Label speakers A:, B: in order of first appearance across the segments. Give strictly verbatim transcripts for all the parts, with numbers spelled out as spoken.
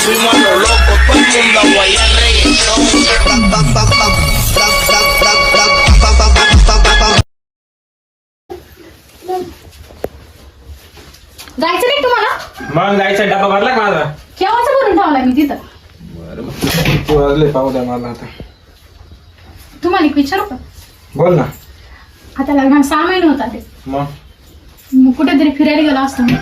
A: fuimos a lo loco, todo el mundo a guayar reggaetón.
B: जायचं नाही तुम्हाला?
C: मग जायचा डबा भरला का माझा?
B: केव्हाच भरून ठेवला मी तिथं.
C: बरं वाजले पाहू द्या मला आता.
B: तुम्हाला एक विचारू का?
C: बोल ना.
B: आता लग्नाला सहा महिने होता ते,
C: मग
B: मग कुठेतरी फिरायला गेला असतो मी.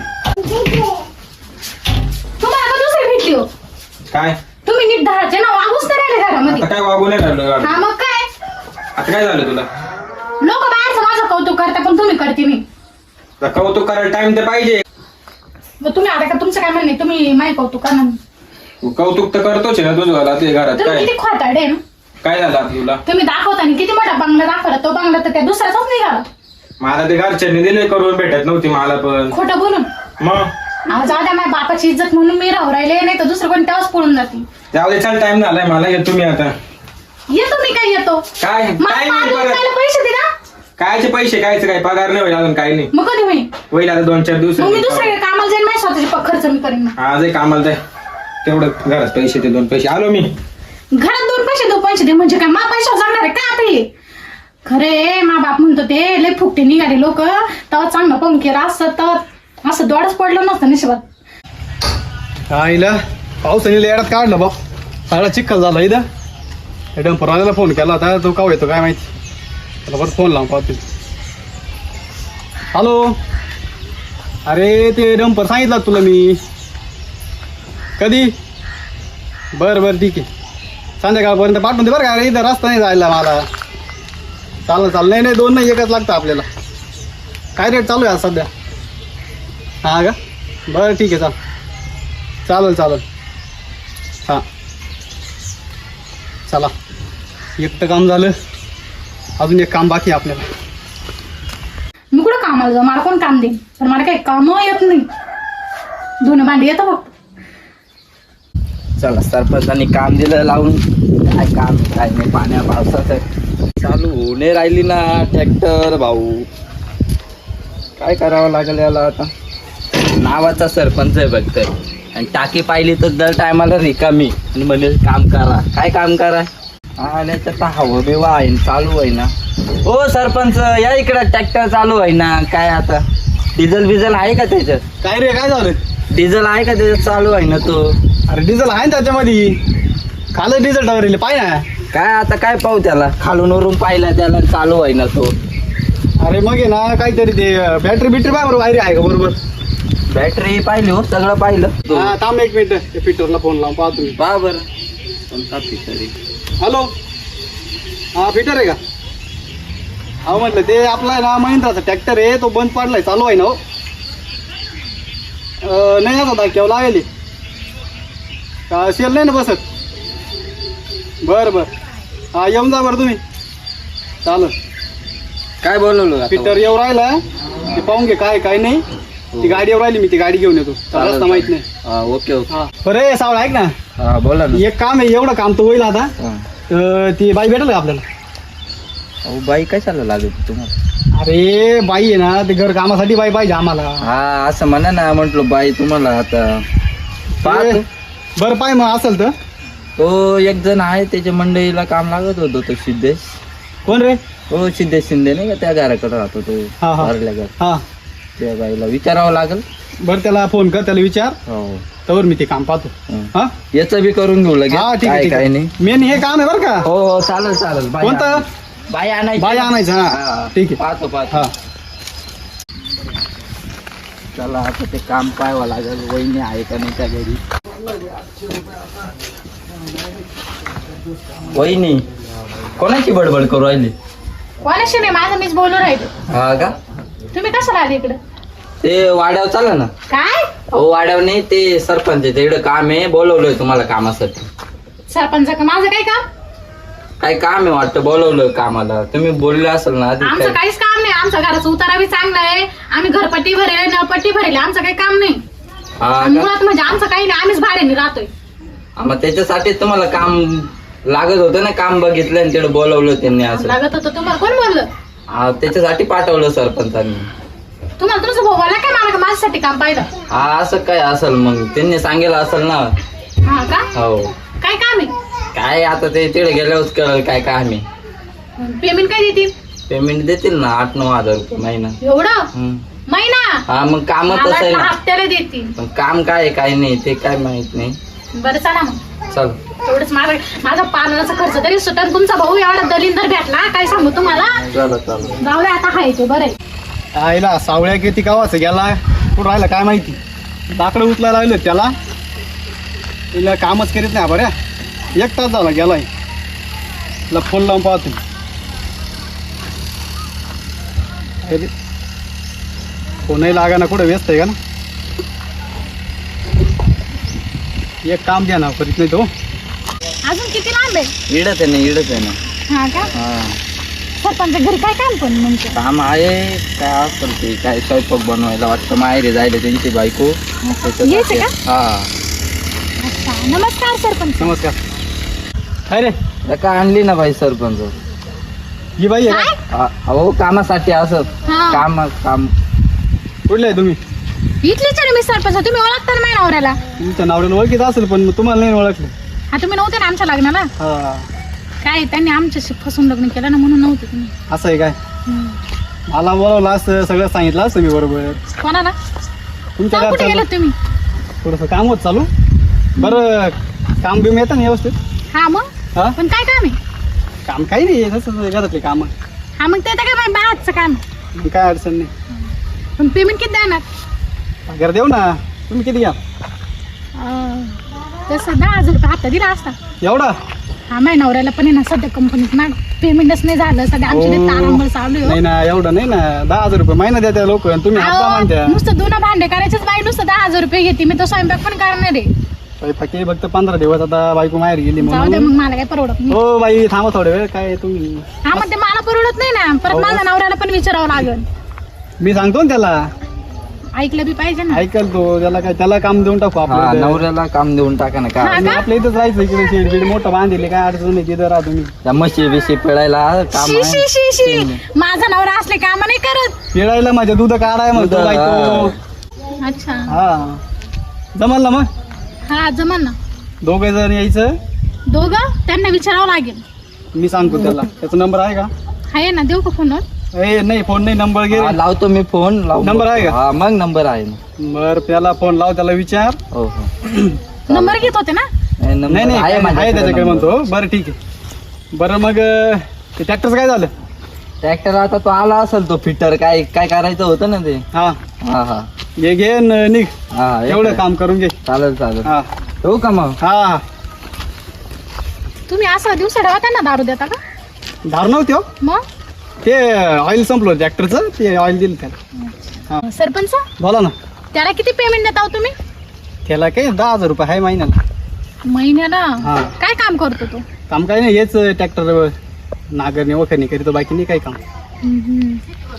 B: तुम्हाला का दुसरी भेटली हो?
C: काय
B: तुम्ही नीट धराचे ना, वागूच नाही राहिले घरामध्ये.
C: आता काय वागू नाही राहिलो.
B: हा मग काय,
C: आता काय झालं तुला?
B: लोक बाहेरचं माझं कौतुक करता पण तुम्ही करते मी.
C: आता कौतुक करायला टाइम तर पाहिजे.
B: मग तुम्ही आता का तुमचं काय म्हणणे, तुम्ही माझी कौतुक करणार नाही.
C: तू कौतुक तर करतोच आहे ना तुझं घरात ते घरात.
B: तुम्ही
C: काय
B: किती खोटारडे आहे ना.
C: काय झालं आता तुला?
B: तुम्ही दाखवताना किती मोठा बंगला दाखवला, तो बंगला तर त्या दुसऱ्याचाच निघाला.
C: मला ते घरच्यांनी दिले करून, भेटत नव्हती मला पण.
B: खोटं बोलून
C: मग
B: आज जाऊ द्या, माझ्या बापाची इज्जत म्हणून मी राहू राहिले, नाही तर दुसरं कोण तेव्हाच पळून जाते.
C: त्यावेळेस छान टाइम झालाय मला. येतो मी आता.
B: येतो मी, काय येतो?
C: काय
B: मला
C: काय
B: मारून
C: नाही
B: खायला पैसे दे ना.
C: कायचे पैसे कायचे काय पगार नाही होईल अजून काही नाही.
B: मग कधी होईल?
C: होईल आता दोन चार दिवस.
B: मग मी दुसऱ्या कामाला जाईन, माझ्या स्वतःचे प- खर्च मी करीन.
C: आज एक कामाला जाय तेवढं घरात पैसे ते दोन पैसे आलो मी.
B: घरात दोन पैसे दो पैसे दे म्हणजे काय, मा पैशावर जाणार आहे का आता हे? खरे मा बाप म्हणतो ते लय फुकटे निघाले लोक, तेव्हा चांगलं पाहून केलं असतं तर असं दोडच पडलं नसतं नशिबात.
D: आईला पावसाने येड्यात काढलं बा, सगळा चिखल झाला इथं. डंपरवाल्याला फोन केला होता, तो का येतो काय माहिती. त्याला बरं फोन लावून पाहतो. हॅलो, अरे ते डंपर सांगितलं तुला मी. कधी? बरं बरं ठीक आहे, संध्याकाळपर्यंत पाठवून दे बरं का. अरे इथं रस्ता नाही जायला मला. चालेल चालेल, नाही नाही दोन नाही एकच लागतं आपल्याला. काय रेट चालू आहे आज सध्या? हां का, बरं ठीक आहे, चाल चालेल चालेल. हां चला, एक तर काम झालं, अजून एक काम बाकी आहे आपल्याला.
B: मी कुठं कामाला जाऊ, मला कोण काम देईन? पण मला काही काम येत नाही, धुणं भांडी येतं फक्त.
E: चला, सरपंचांनी काम दिलं लावून. काय काम काय नाही, पाण्या पावसाचं चालू होणे राहिली ना ट्रॅक्टर भाऊ. काय करावं लागेल याला आता. नावाचा सरपंच आहे बघ तर, आणि टाकी पाहिली तर दर टायमाला रिकामी आणि म्हणे काम करा. काय काम करा आणि तर हवं बिवा आहे चालू आहे ना. हो सरपंच या इकडं, ट्रॅक्टर चालू आहे ना. काय आता डिझेल बिझेल आहे का त्याच्यात?
D: काय रे, काय झालं?
E: डिझेल आहे का त्याच्यात? चालू आहे ना तो.
D: अरे डिझेल आहे ना त्याच्यामध्ये, खालं डिझेल टावर पाय ना.
E: काय आता काय पाहू त्याला, खालून वरून पाहिला त्याला चालू आहे ना तो.
D: अरे मग आहे ना काहीतरी ते बॅटरी बिटरी पाय बरोबर वायरी आहे का बरोबर?
E: बॅटरी पाहिली हो, सगळं पाहिलं.
D: हा थांब एक मिनिट, ते फिटरला फोन लावून पाहतो मी.
E: पहा बरं कोणता फिटर आहे.
D: हॅलो, हा फिटर आहे का? हा म्हटलं ते आपला आहे ना महिंद्राचा ट्रॅक्टर आहे, तो बंद पडलाय, चालू आहे ना हो. अं, नाही आता केव्हा लागेल का, सेल नाही ना बसत? बरं बरं, हा येऊन जा बरं तुम्ही. चालेल,
E: काय बोलवलं आता?
D: फिटर येऊ राहिला, ते पाहून घे काय काय नाही. ती गाडी येऊ राहिली, मी ती गाडी घेऊन येतो.
E: चालेल,
D: रस्ता माहित नाही.
E: हा, ओके ओके.
D: हा बरं सावळ ऐक ना,
E: हा बोला ना.
D: एक काम आहे, एवढं काम तर होईल आता.
E: हा.
D: अं, ती बाई भेटेल का आपल्याला?
E: अहो बाई काय चाललं लागत तुम्हाला?
D: अरे बाई आहे ना, ते घर कामासाठी बाई पाहिजे आम्हाला.
E: हा असं म्हणा ना, म्हटलो बाई तुम्हाला आता पाहतो.
D: बरं पाय मग असेल तर.
E: तो एक जण आहे, त्याच्या मंडईला काम लागत होतो तो सिद्धेश.
D: कोण रे?
E: हो सिद्धेश शिंदे नाही का, त्या घराकडे राहतो तो
D: हा, हा.
E: भरल्या घर.
D: हा
E: त्या बाईला विचारावं लागेल.
D: बरं त्याला फोन कर, त्याला विचार,
E: हो
D: तर मी ते काम पाहतो.
E: हं.
D: हा
E: याचं बी करून घेऊ लगेच.
D: हा ठीक
E: काय
D: आहे,
E: काय नाही.
D: मेन हे काम आहे बरं का.
E: हो हो चालेल चालेल. बाई
D: कोणतं?
E: आणायची. बाई आणायची.
D: बाई आणायचं. हा
E: हा,
D: ठीक आहे.
E: पाहतो पाहतो.
D: हा
E: चला आता ते काम पाहावं लागेल, वहिनी आहे का नाही त्या घरी. वहिनी कोणाची बडबड करू राहिली?
B: कोणाशी नाही, माझं मीच बोलू राहिले.
E: हा का?
B: तुम्ही कसं आले इकडं?
E: ते वाड्यावर चाला ना.
B: काय
E: हो वाड्यावर नाही, ते सरपंच आहे, इकडे काम आहे, बोलवलंय तुम्हाला कामासाठी.
B: सरपंच का? माझं काय काम?
E: काय काम आहे वाटतं, बोलवलं कामाला. तुम्ही बोलले असेल ना आधी.
B: आमचं
E: काय-
B: काहीच काम नाही. आमचा घराचा उतारा बी चांगला आहे, आम्ही घरपट्टी भरेल, नळपट्टी भरेल, आमचं काही काम नाही.
E: हा
B: आणि
E: का?
B: मुळात म्हणजे आमचं काही नाही, आम्हीच भाड्याने राहतोय.
E: हा, मग त्याच्यासाठी तुम्हाला काम लागत होतं ना, काम बघितलं आणि तिकडे बोलवलं त्यांनी असं.
B: लागत होतं तुम्हाला, कोण बोललं?
E: हा त्याच्यासाठी पाठवलं सरपंचांनी.
B: तुम्हाला तुमचं भाऊ बोला काय, मला का माझ्यासाठी काम पाहिलं?
E: हा असं काय असेल, मग त्यांनी सांगेल असेल ना.
B: हा का
E: हो
B: काय काम आहे
E: काय आता ते तिकडे गेल्यावर कळलं काय काय आम्ही
B: पेमेंट काय देतील
E: पेमेंट देतील ना आठ नऊ हजार रुपये महिना.
B: एवढं
E: हम्म.
B: महिना
E: हा मग काम
B: मला
E: तसं आहे
B: वाटलं
E: ना.
B: हप्त्याला देतील.
E: पण काम काय आहे काय नाही ते काय माहित नाही.
B: बरं चला मग
E: चल
B: तेवढंच माझा माझा पालनाचा खर्च तरी सुटन. तुमचा भाऊ एवढा दलिंदर भेटला काय सांगू तुम्हाला.
E: चला चला
B: जाऊ दे आता हाय ते बरं आहे.
D: आईला सावळ्या किती गावाचं गेला कुठं राहिला काय माहिती. लाकडं उचलायला लागलं त्याला तिला कामच करीत नाही बऱ्या. एक तास झाला गेलाय. तिला फोन लावून पाहतो. अरे, फोनही लागा ना कुठं व्यस्त आहे का ना. एक काम द्या ना करीत नाही तो.
B: अजून किती लांब आहे.
E: इडत आहे ना इडत आहे ना.
B: हा का
E: हा
B: सरपंच घरी काय काम पण म्हणजे
E: काम आहे काय असेल ते काय स्वयंपाक बनवायला वाटतं माहेरी जायला त्यांची बायको
B: यायचं
E: त्याच्यासाठी.
B: का?
E: हा
B: अच्छा नमस्कार सरपंच.
D: नमस्कार. काय रे
E: त्या का आणली ना बाई सरपंच.
D: ही बाई आहे
B: काय
D: का?
E: हा, अहो कामासाठी असं
B: हा.
E: काम काम
D: कुठले आहे तुम्ही.
B: इथलीच आहे ना मी सरपंच. तुम्ही ओळखता ना माझ्या नवऱ्याला.
D: तुमच्या नावड्याला ओळखीत असेल पण तुम्हाला नाही ओळखलं.
B: हा तुम्ही नव्हते ना आमच्या लग्नाला.
D: हा
B: काय त्यांनी आमच्याशी फसून लग्न केलं ना म्हणून नव्हते तुम्ही.
D: असं आहे काय.
B: हम्म.
D: मला बोलावलं असं सगळं सांगितलं असतं मी बरोबर.
B: कोणाला
D: तुमच्या
B: का कुठे
D: घरचं
B: गेलात तुम्ही.
D: थोडंसं काम होत चालू. बरं काम बिम येतं ना व्यवस्थित.
B: हा मग
D: हा
B: पण काय काम आहे.
D: काम काही नाही तसंच घरातले काम.
B: हा मग ते तर काय बाहेरचं काम.
D: काय अडचण नाही.
B: पण पेमेंट किती देणार.
D: घर देऊ ना. तुम्ही किती घ्या.
B: अं, तसं दहा हजार रुपये हप्ता दिला असता.
D: एवढा
B: हा माझ्या नवऱ्याला पण आहे ना सध्या कंपनीत ना पेमेंटच नाही झालं. सध्या आमची लई तारांबळ चालू आहे
D: नाही
B: हो.
D: ना एवढं नाही ना. दहा हजार रुपये महिना द्या त्या लोक तुम्ही हप्ता
B: अहो,
D: मानत्या.
B: नुसतं दोन भांडे करायचेच बाई नुसतं दहा हजार रुपये घेते. मी तो स्वयंपाक पण करणार आहे.
D: फक्त फक्त पंधरा दिवस आता बायको माहेर गेली
B: जाऊ दे
D: म्हणून.
B: मग मला काय परवडत नाही.
D: हो बाई थांबा थोडे वेळ. काय तुम्ही
B: हा मग ते मला परवडत नाही ना. परत
D: हो.
B: माझ्या नवऱ्याला पण विचारावं लागेल.
D: मी सांगतो ना त्याला.
B: ऐकलं बी पाहिजे ना.
D: ऐकल तो त्याला काय त्याला काम देऊन टाकू
E: हा
D: आपलं.
E: नवऱ्याला काम देऊन टाका ना
B: हा
E: काय
B: का?
D: आपल्या इथंच राहायचं. इकडे शेड बीड मोठं बांधले काय अडचण नाही. तिथं राहा तुम्ही.
E: त्या म्हशी बिशी पिळायला काम
B: शी शी
E: आहे.
B: शी शी माझा नवरा असले काम नाही करत.
D: पिळायला माझ्या दूध काढाय म्हणतो
E: दूध,
D: बायको.
B: अच्छा
D: हा जमल ना मग.
B: हा जमन ना.
D: दोघे जण यायचं.
B: दोघं त्यांना विचारावं लागेल.
D: मी सांगतो त्याला. त्याचा नंबर आहे का.
B: आहे ना देऊ का फोनवर.
D: ए नाही फोन नाही नंबर घे.
E: हा, लावतो मी फोन लावून
D: नंबर आहे
E: बघतो.
D: का?
E: हा मग नंबर आहे ना.
D: बर त्याला फोन लाव. त्याला विचार.
E: हो हो
B: नंबर घेत होते ना.
E: नाही, number
D: नाही नाही
E: आहे
D: आहे
E: माझ्याकडे
D: त्याच्याकडे
E: number.
D: म्हणतो. बरं ठीक आहे. बरं मग अं, ते ट्रॅक्टरचं काय झालं.
E: ट्रॅक्टर आता तो आला असेल तो फिटर काय काय करायचं होतं ना ते.
D: हा
E: हा हा
D: घे घे न निघ.
E: हा
D: एवढं
E: एक-
D: काम करून घे.
E: चालेल चालेल
D: हा
E: ठेवू का मग.
D: हा हा
B: तुम्ही असं दिवसा डावा त्यांना दारू देता का.
D: धार नव्हते हो.
B: मग
D: ते ऑइल संपलं ट्रॅक्टरचं. ते ऑइल दिलं त्याला. हा
B: सरपंच
D: बोला ना.
B: त्याला किती पेमेंट देता हो तुम्ही.
D: त्याला काय दहा हजार रुपये आहे महिन्याला.
B: महिन्याला
D: हा.
B: काय काम करतो तो.
D: काम काय नाही हेच ट्रॅक्टर नागरणी वखरणी करीतो. बाकी नाही काही काम.
B: हम्म.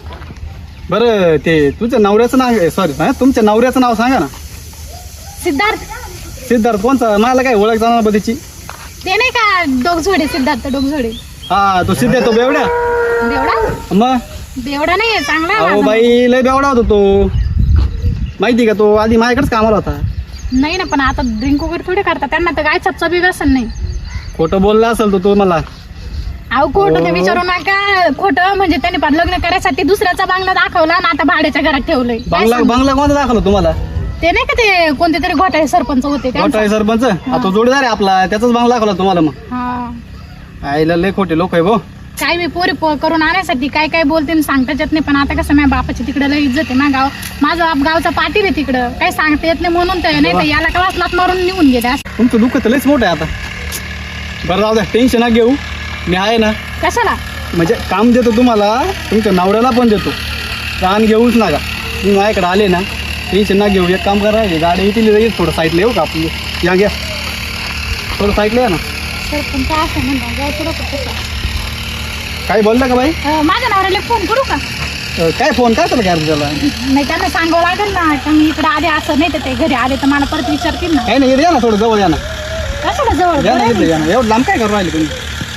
D: बरं ते तुझ्या नवऱ्याचं नाव सॉरी तुमच्या नवऱ्याचं नाव सांगा ना.
B: सिद्धार्थ
D: सिद्धार्थ कोणचा. मला काय ओळख जाणार बा त्याची.
B: ते नाही का डोगझोडे सिद्धार्थ डोगझोडे.
D: हा तो सिद्धार्थ तो बेवड्या.
B: बेवडा
D: मग
B: बेवडा नाहीये चांगला आहे
D: अहो
B: माझा.
D: बाई लय बेवडा होता तो. माहिती का तो आधी माझ्याकडेच कामाला होता.
B: नाही ना पण आता ड्रिंक वगैरे थोडे करतात. त्यांना तर काय चपचा बी व्यसन नाही.
D: खोटं बोलला असेल तो तो मला.
B: अहो खोटं ते विचारू नका. खोटं म्हणजे त्यांनी पण लग्न करायसाठी दुसऱ्याचा बांगला दाखवला आणि आता भाड्याच्या घरात ठेवलंय. काय
D: बांगला
B: सांगू?
D: बांगला कोणता दाखवला तुम्हाला.
B: ते नाही का ते कोणते तरी घोटाळे सरपंच होते त्यांचा.
D: मोठा आहे सरपंच. हा, तो जोडीदार आहे आपला. त्याचाच बांगला दाखवला तुम्हाला. मग
B: हा
D: आईला लय खोटे लोक आहे भाऊ.
B: काय मी पोरी पो- करून आणण्यासाठी काय काय बोलते आणि सांगताच येत नाही. पण आता कसं माझ्या बापाची तिकडे लय इज्जत आहे ना. गाव माझं बाप गावचा पाटील आहे तिकडं. काही सांगता येत नाही म्हणून तर नाही तर याला क्लास लात मारून निघून गेले असं.
D: तुमचं दुःख तर लयच मोठं आहे आता. बरं जाऊ द्या टेन्शन ना घेऊ. मी आहे ना.
B: कशाला
D: म्हणजे काम देतो तुम्हाला. तुमच्या नवऱ्याला पण देतो. रान घेऊच नका. तुम्ही माझ्याकडे आले ना टेन्शन ना घेऊ. एक काम करा हे गाडी येतील येईल थोडं साईडला येऊ का आपली. या घ्या थोडं साईडला या ना.
B: सरपंच असं म्हणता जाऊ तुला कसं.
D: काही बोललं का बाई.
B: अं, माझ्या नवऱ्याला फोन करू का.
D: अं, काय फोन काय चालू काय त्याला.
B: नाही त्यांना सांगावं लागेल ना का मी इकडे आले असं नाही तर ते घरी आले तर मला परत विचारतील ना.
D: काही नाही इथे या ना थोडं जवळ या ना.
B: कशाला जवळ
D: या ना
B: बरं
D: इथं
B: आहे.
D: या ना. एवढं लांब काय करू राहिले तुम्ही.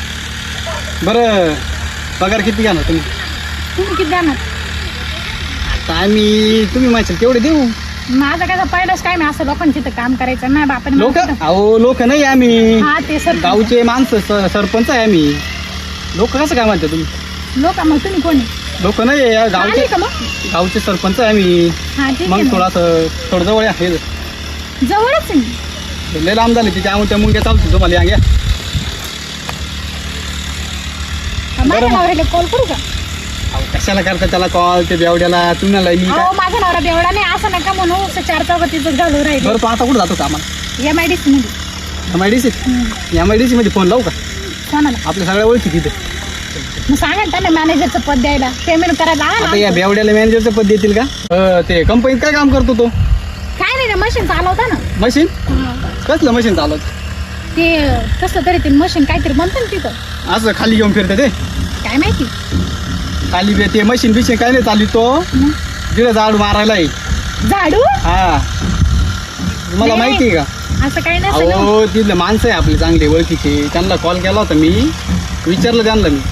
D: बरं पगार किती घ्या ना तुम्ही.
B: तुम्ही किती द्या ना.
D: आता आम्ही तुम्ही माझ्या केवढे देऊ.
B: माझं काय पहिलंच काय मी असं लोकांच्या इथं काम करायचं नाही बापाने मला
D: लोक
B: कुठं-
D: अहो लोक नाही आम्ही
B: हा ते सर
D: गावचे माणसं स- सरपंच आहे आम्ही. लोक कसं काय म्हणते तुम्ही?
B: लोक मग तुम्ही कोणी
D: लोक नाही आहे,
B: आले
D: गावचे
B: का मग
D: गावचे सरपंच आहे आम्ही.
B: हा ठीक
D: मग
B: आहे
D: थोडासं थोडं जवळ आहे.
B: मग. जवळच आहे मी.
D: लय लांब झाले तिच्या त्या मुंग्या चालतो तुम्हाला या घ्या.
B: माझ्या नवऱ्याला कॉल करू का
D: अहो, कशाला करता त्याला कॉल ते बेवड्याला तुम्हाला मी काय
B: अहो माझा नवरा बेवडा नाही असं नका म्हणू असं चार चौघातीच घालू राहिले
D: बरं तू आता कुठं जातो का आम्हाला?
B: एम आय डी सी मध्ये
D: M I D C M I D C मध्ये फोन लावू का?
B: कोणाला
D: आपल्या सगळ्या ओळखी तिथे.
B: मग सांगा ना त्यांना मॅनेजरचं पद द्यायला पेमेंट करायला आणा
D: आता या
B: ना.
D: बेवड्याला मॅनेजरचं पद देतील का? अं, ते कंपनीत काय काम करतो तो?
B: काय नाही मशीन चालवता ना
D: मशीन? कसलं मशीन चालवत?
B: ते कसं तरी ते मशीन काहीतरी म्हणतं ना तिथं
D: असं खाली घेऊन फिरते ते
B: काय माहिती
D: खाली बे- ते मशीन बिशीन काय नाही चालू तो
B: मग
D: तिला झाडू मारायला आहे.
B: झाडू
D: हा तुम्हाला
B: नाही.
D: माहिती आहे का?
B: असं काही नसेल हो.
D: अहो तिथले माणसं आहे आपले चांगले ओळखीचे त्यांना कॉल केला होता मी विचारलं त्यांना मी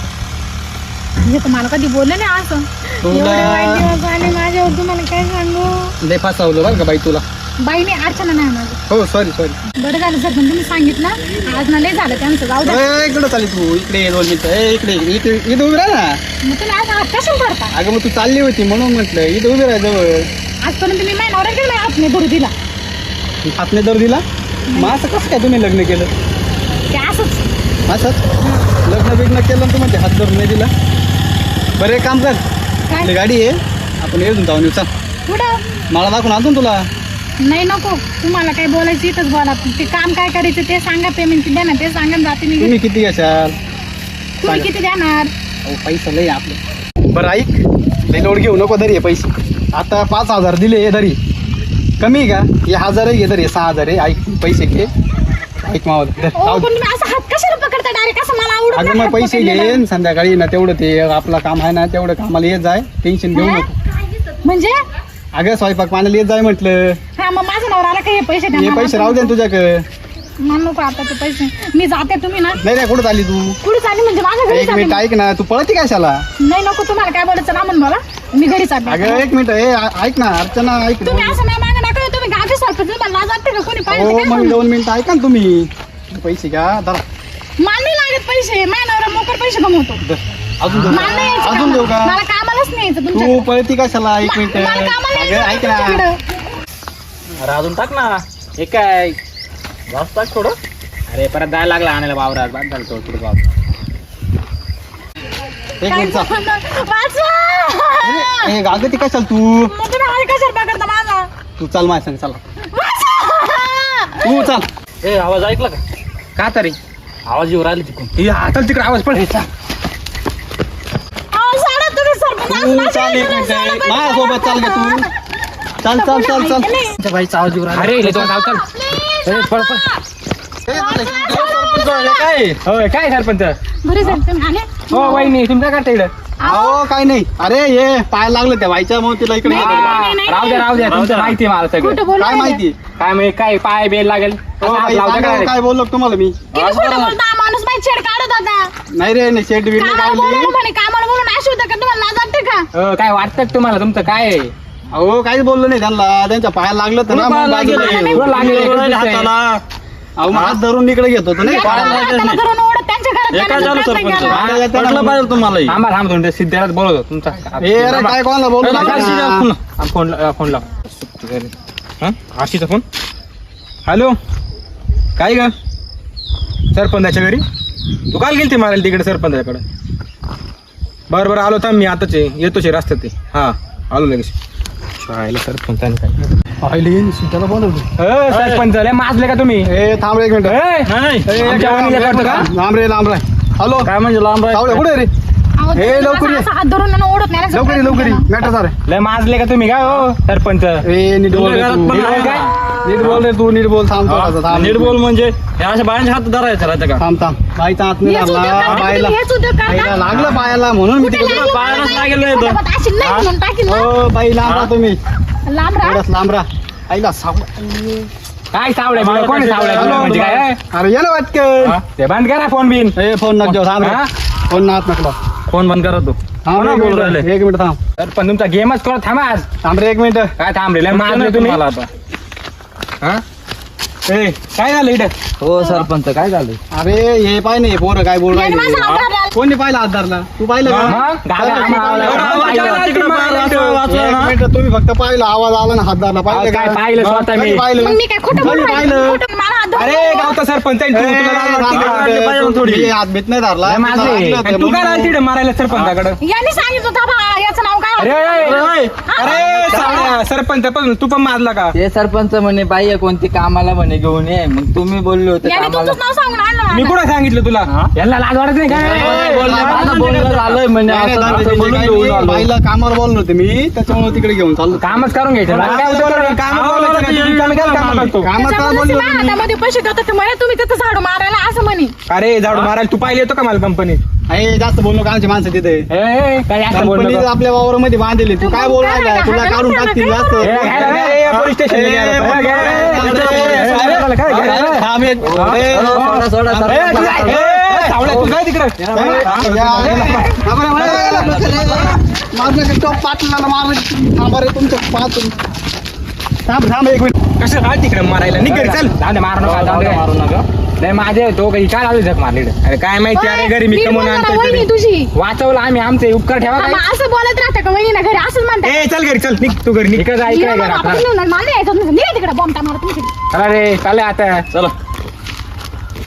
B: हे तुम्हाला कधी बोललं नाही असं
D: तुला-
B: एवढे वाईट दिवस आले माझ्यावर तुम्हाला काय सांगू
D: लय फसवलं बरं का बाई तुला.
B: बाईने अर्चना नाही माझं
D: हो सॉरी सॉरी.
B: बरं झालं सर पण तुम्ही सांगितलं आज ना लय झालं त्यांचं जाऊ द्या
D: इकडं चालली तू इकडे ये दोन मिनिटं ए, इकडे इथे इथं उभी राह ना.
B: मग तुम्ही आज हात कशाला करता
D: अगं मग तू चालली होती म्हणून म्हटलं इथं उभी राह जवळ.
B: आजपर्यंत मी माझ्या नवऱ्याकडे नाही हात नाही धरू दिला
D: हातने दर दिला मग असं कसं काय तुम्ही लग्न केलं?
B: ते असंच
D: असंच लग्न बिग्न केलं आणि तू म्हणते हात धरून नाही दिला. बरं एक काम कर
B: काय
D: आपली गाडी आहे आपण येऊन जाऊन येऊ. चल
B: कुठं
D: मला दाखवून आणतो ना तुला.
B: नाही नको तुम्हाला काय बोलायचं इथंच बोला ते काम काय करायचं ते सांगा पेमेंट किती देणार ते सांगा जाते मी
D: तुम्ही किती घ्याल?
B: तुम्ही किती देणार
D: अहो पैसा लय आपलं. बरं ऐक लय लोड घेऊ नको धरी हे पैसे. आता पाच हजार दिले हे धरी कमी आहे का? हे हजार आहे घे धरी सहा हजार आहे. ऐक पैसे घे ऐक मावल धर,
B: ओ
D: राहू दे.
B: पण तुम्ही असं हात कशाला पकडता डायरेक्ट असं मला आवडत
D: अगं
B: नाही
D: मग
B: हात
D: पैसे
B: पकडलेलं.
D: घेईन संध्याकाळी ना तेवढं ते आपलं काम आहे ना तेवढं कामाला येत जाय टेन्शन घेऊ
B: हा?
D: नको.
B: म्हणजे
D: अगं स्वयंपाक पाण्याला येत जाय म्हटलं.
B: हा मग माझा नवरा आला का हे पैसे द्या
D: हे
B: मला.
D: पैसे राहू दे ना तुझ्याकडे.
B: मला नको आता ते पैसे मी जाते तुम्ही ना
D: नाही नाही कुठं चालली तू?
B: कुठे चालली म्हणजे माझ्या घरी
D: एक मिनिट
B: चालली.
D: ऐक ना तू पळती कशाला?
B: नाही नको तुम्हाला काय बोलायचं ना म्हणून मला मी घरी चालली
D: अगं एक मिनिट ए ऐक ना अर्चना ऐक ना.
B: तुम्ही असं नाही मागं नका तुम्ही गाठी सारखं तुम्हाला लाज वाटते का कोणी पाहिजे
D: हो
B: तर काय
D: मग
B: म्हणू?
D: दोन मिनिटं ऐका ना तुम्ही. पैसे घ्या धरा.
B: मला नाही लागत पैसे माझ्या नवरा मोकर पैसे कमवतो
D: धर. अजून देऊ
B: मला नाही
D: का?
B: यायचं
D: अजून देऊ का?
B: कामाला. मला कामालाच नाही यायचं
D: तू
B: तुमच्याकडे.
D: पळती कशाला? एक
B: मा-
D: मिनिट
B: मला कामाला
D: अगं
B: यायचं
D: ऐक ना
B: तुमच्याकडं.
E: अरे अजून टाक ना हे काय जास्त टाक थोडं. अरे परत जायला लागला आणायला वावरात बाद झालं तो थोडं गाव.
D: एक मिनिट चाल.
B: वाचवा!
D: ए गागं ती कशाला तू?
B: मग तुम्ही हाल कशाला पकडता माझा?
D: तू चाल माझ्या संग चला.
B: वाचवा!
D: तू चाल.
E: ए आवाज ऐकला का?
C: का तरी
E: आवाज येऊ राहिला तिकडून.
C: हे हाताला तिकडे आवाज पड.
B: अहो, सोडा तुम्ही सरपंच.
D: तू
B: असं
D: चाल एक
B: नाही
D: मिनिट
B: सोडा
D: माझ्यासोबत चाल का तू? चाल चाल चाल चाल.
B: नाही.
E: तुमच्या बाईचा आवाज येऊ राहिला.
C: अरे इले दोन धावताल.
B: Please,
C: ए, पळ, पळ.
B: वाचवा!
C: काय होय काय सरपंच?
B: बरे झाले तुम्ही आले?
C: हो वहिनी तुमच्या करता इकडं?
D: अहो काय नाही. अरे हे पाय लागलं त्या बाईच्या मग तिला इकडे
B: नाही,
D: गेलो.
B: नाही, नाही,
C: राहू द्या राहू द्या
E: राहू
C: तुमचं
E: द्या.
C: माहिती आहे मला सगळं.
B: खोटं बोलू
D: काय
B: राहिले.
D: माहिती?
C: काय म्हणजे काय पाय बेल लागेल
D: हो
C: असं हात
D: बाई,
C: लावता
D: सांगा
C: काय?
D: काय बोललो तुम्हाला मी?
B: किती खोटं बोलता माणूस बाई छेड काढत होता
D: नाही रे नाही शेट बिल
B: कामाला
D: काढली.
B: बोलवलं म्हणे कामाला बोलून अशी होतं का तुम्हाला लाज वाटते का
C: अ, काय वाटतं का तुम्हाला तुमचं काय आहे?
D: अहो काहीच बोललो नाही त्यांना. त्यांच्या पायाला लागलं तर ना मग बाजूला
C: लागलं?
D: गेलो.
C: तुला लागलं का?
E: हाताला.
D: अहो मग हात धरून इकडे घेत होतो नाही
B: या
D: पायाला
B: हाताला
D: लागत नाही.
B: धरून ओढत त्यांच्या घरात
E: हे काय
B: जाण्याचा
E: झालं
B: प्रयत्न
E: सरपंच?
B: केला.
D: पायाला त्याला
E: पटलं पाहिजे तुम्हाला हे.
C: थांबा थांबा दोन सिद्धेलाच बोलवतो तुमचा
D: ए अरे काय कोणाला बोलू नका ना.
C: फोन फोन लाव हा आशीचा फोन. हॅलो काय ग सरपंचाच्या घरी? तू काल गेलती मारायला तिकडे सरपंचाकडे? बरं बरं आलो थांब मी आताच आहे. येतोच आहे रस्त्यात ते. हा आलो लगेच. शाळेला सरपंचाने काय
D: पाहिली सीताला बोलवतो.
C: अ, सरपंच लय माजले का तुम्ही?
D: ए थांब रे एक मिनिट.
C: ए,
E: नाही
C: ए, आमच्या वहिनीला करतो का?
D: लांब रे लांब रे. हॅलो
E: काय म्हणजे लांब
D: सावळे
E: राहायचं?
D: कुठे रे?
B: अहो,
D: ए,
B: तुम्ही
D: लवकर ये.
B: असं हात धरून आणि ओढत नाही ना,
D: लवकर ये लवकर ये.
B: प्रयत्न केला.
D: मॅटर सारे.
C: लय माजले का तुम्ही काय हो सरपंच?
D: ए नीट बोल रे
E: तुझ्या
D: तू.
E: घरात पण
D: नीट
E: आहे
D: बोल
E: का?
D: काय? नीट बोल रे तू नीट बोल. थांब थोडासा
E: हा,
D: थांब.
E: नीट बोल म्हणजे हे अशा बायांच्या हात धरायचं राहतं का?
D: थांब थांब. बाईचा हात नाही
B: हेच उद्योग
D: लागला
B: करता
D: बायला.
B: तुम्ही, हेच उद्योग करता?
D: बाईला लागलं पायाला म्हणून मी
B: कुठे
D: तिकडे.
B: लागलं?
E: पायालाच
B: मला
E: लागेल
B: नाही.
E: नाही तर.
B: फटाफट अशी नाही
E: हा?
B: म्हणून टाकील ना.
D: हो बाई लांब राहा तुम्ही.
B: लांब राहा.
D: थोडस लांब राहा. आईला साव
C: काय सावळे बिवळे? कोण आहे सावळे बिवळे म्हणजे काय?
D: अरे ये ना वाटकन.
C: हा? ते बंद करा फोन बिन.
D: ए फोन नक जाऊ थांब रे.
C: हा?
D: फोन नात नकला.
C: फोन बंद करा तू
D: थांब रे,
C: कोणा
D: एक
C: बोलू
D: मिनिट
C: राहिले
D: एक मिनिट थांब
C: सरपंच तुमचा गेमच करा थांबा आज
D: थांब रे एक मिनिट
C: काय थांबलेला मारले तुम्ही मला आता हा ए काय झालं इकडे
E: हो सरपंच काय झालं?
D: अरे हे पाय नाही पोरं काय बोल
B: याने माझा हात धरला.
D: कोणी पाहिलं हात धरला तू पाहिलं का?
C: मग? गाड्या
D: चला,
C: आम्हाला
D: चला,
C: आवाज
D: चला,
C: आला,
D: चला,
C: तिकडे मारला,
D: चला,
C: वाचलं
D: एक
C: ना?
D: मिनिट तुम्ही फक्त पाहिलं आवाज आला ना हात धरला पाहिलं
C: काय
D: का?
C: पाहिलं स्वतः
D: कधी
C: मी?
D: पाहिलं
B: मग मी काय खोटं
D: कधी
B: बोलू राहिले?
D: पाहिलं
B: खोटं मला हात धरला.
C: अरे गावचा सरपंच आहे, तू-
D: ए,
C: तुला लाज वाटते का?
D: राम,
C: पाहिजे
D: तू-
C: थोडी.
D: मी हात बीत नाही धरला
C: लय माझं आहे.
D: मी
C: आणि तू काय आला तिकडे मारायला सरपंचाकडे
B: याने सांगितलं होतं बा याचं नाव काय
C: अरे
B: होतं?
C: अरे, अरे सावळ्या, सरपंच पण तू पण मारला का
E: ते सरपंच म्हणे बाई आहे कोणती कामाला म्हणे घेऊन ये मग तुम्ही बोलले होते
B: याने
E: कामाला
B: तुमचंच नाव सांगून आणलं
C: मी
B: मला.
C: कुठं सांगितलं तुला यांना लाज वाटत नाही
D: ए, बोल ना,
C: काय
E: माझं बोलणं झालंय म्हणे
D: नाही, नाही,
E: असं-
D: दादा,
E: असं
D: ते
E: बोलून
D: काय
E: घेऊन
D: नाही,
E: आलो.
D: बाईला कामावर बोललो होते मी त्याच्यामुळे तिकडे घेऊन चाललो
C: कामच करून घ्यायचं बाकी काय होतं बरं? कामं बोलायचं का? तुम्ही कामं काय कामं करतो?
D: कामात काय
B: त्याच्यामुळेच
D: बोललो
B: माझ्या
D: होतो मी?
B: हातामध्ये पैसे ठेवतात म्हणे तुम्ही तिथं झाडू मारायला असं म्हणे.
C: अरे झाडू मारायला तू पाहिले येतो का मला कंपनीत
D: अरे जास्त बोललो का आमची माणसं तिथे
C: काय असं बोललो
D: कंपनी
C: का?
D: आपल्या वावरामध्ये बांधलेली तू काय बोल
B: काय
D: राहिला
B: काय
D: तुला
B: काय
D: काढून
B: काय
D: टाकतील
B: काय
D: जास्त
C: ए, घ्यायला नाही, ए, पोलीस स्टेशनला घ्यायला.
D: ए,
C: ए, घ्यायला नाही,
D: अरे,
C: पोलीस स्टेशनला घ्यायला.
D: अरे,
C: काय घ्यायला?
D: अरे, थांब एक-
C: हा?
D: अरे,
E: हो, सोडा सोडा
C: ए,
E: सरपंच.
C: तू काय? ए, सावळ्या, तू काय तिकडं
D: या, या, या. थांबा रे, मार नका, तो पाटलाला मार थांबा रे तुमचं पाच थांब थांब एक मिनिट
C: कसं काय तिकडे मारायला निघ घरी, चल जाऊ दे, मारू नका जाऊ दे.
E: मारू नका.
C: नाही माझे तो काही काय आलो जग मारले अरे काय माहिती अरे घरी मी
B: नीट
C: कमवून
B: बोल जरा,
C: आणतोय
B: वहिनी
C: तरी.
B: तुझी
C: वाचवलं आम्ही आमचे उपकार ठेवा
B: हा,
C: काय
B: मग असं बोलत राहतं का वहिनी ना घरी असंच म्हणतात.
C: ए चल घरी चल निघ तू घरी निघ इकडे जाय
B: हिला
C: काय
B: मला
C: घरात
B: आपण नेऊन मला नाही यायचं. निघा तिकडे बॉम्ब मारा तुमची.
C: अरे चालले आता
E: चला